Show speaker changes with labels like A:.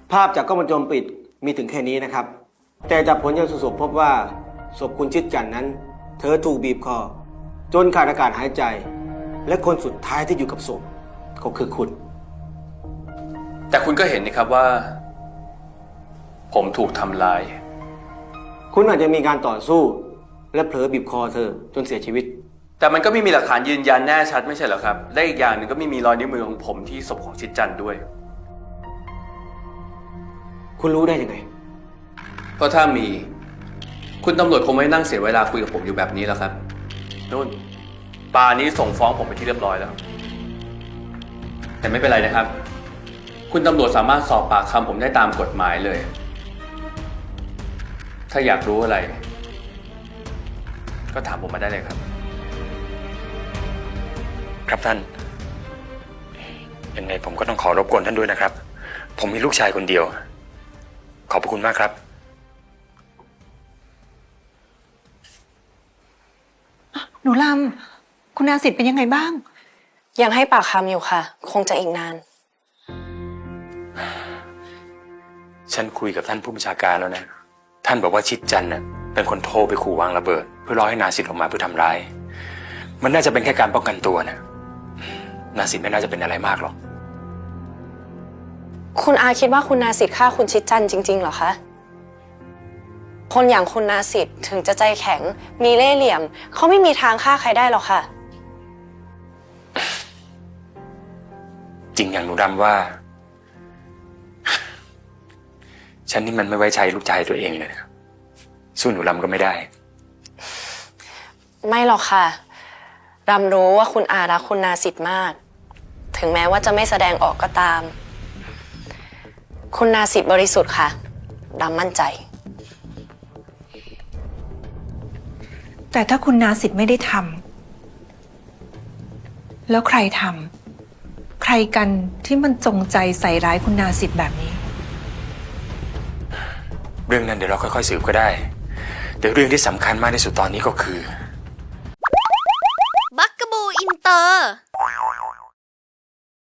A: ภาพจากกล้องวงจรปิดมีถึงแค่นี้นะครับ แต่จากผลชันสูตรศพพบว่าศพคุณชิดจันทร์นั้น เธอถูกบีบคอจนขาดอากาศหายใจ และคนสุดท้ายที่อยู่กับศพก็คือคุณ
B: แต่คุณก็เห็นนี่ครับว่า ผมถูกทำร้าย
A: คุณอาจจะมีการต่อสู้ และเผลอบีบคอเธอจนเสียชีวิต
B: แต่มันก็ไม่มีหลักฐานยืนยันแน่ชัดไม่ใช่เหรอครับ และอีกอย่างหนึ่งก็ไม่มีรอยนิ้วมือของผมที่ศพของชิดจันทร์ด้วย
A: คุณรู้ได้ยังไง
B: เพราะถ้ามี คุณตำรวจคงไม่นั่งเสียเวลาคุยกับผมอยู่แบบนี้แล้วครับนู่นป่านี้ส่งฟ้องผมไปที่เรียบร้อยแล้ว แต่ไม่เป็นไรนะครับ คุณตำรวจสามารถสอบปากคำผมได้ตามกฎหมายเลย ถ้าอยากรู้อะไร ก็ถามผมมาได้เลยครับ
C: ครับท่านยังไงผมก็ต้องขอรบกวนท่านด้วยนะครับ ผมมีลูกชายคนเดียว ขอบพระคุณมากครับ
D: หนูลำคุณอาสิทธิ์เป็นยังไงบ้าง
E: ยังให้ปากคำอยู่ค่ะ คงจะอีกนาน
C: ฉันคุยกับท่านผู้บัญชาการแล้วนะ ท่านบอกว่าชิดจันทร์น่ะเป็นคนโทรไปขู่วางระเบิด เพื่อรอให้นาสิทธิ์ออกมาเพื่อทำร้าย มันน่าจะเป็นแค่การป้องกันตัวนะนาสิทธิ์ไม่น่าจะเป็นอะไรมากหรอก
E: คุณอาคิดว่าคุณนาสิทธิ์ฆ่าคุณชิดจันทร์จริงๆเหรอคะ คนอย่างคุณนาสิทธิ์ถึงจะใจแข็ง มีเล่ห์เหลี่ยม เขาไม่มีทางฆ่าใครได้หรอกค่ะ
C: จริงอย่างหนูดำว่า ฉันนี่มันไม่ไว้ใจลูกชายตัวเองเลยนะสู้หนูดำก็ไม่ได้
E: ไม่หรอกค่ะ รำรู้ว่าคุณอารักคุณนาสิทธิ์มาก ถึงแม้ว่าจะไม่แสดงออกก็ตาม คุณนาสิทธิ์บริสุทธิ์ค่ะรำมั่นใจ
D: แต่ถ้าคุณนาสิทธิ์ไม่ได้ทำแล้วใครทำใครกันที่มันจงใจใส่ร้ายคุณนาสิทธิ์แบบนี้
C: เรื่องนั้นเดี๋ยวเราค่อยๆสืบก็ได้ แต่เรื่องที่สำคัญมากที่สุดตอนนี้ก็คือ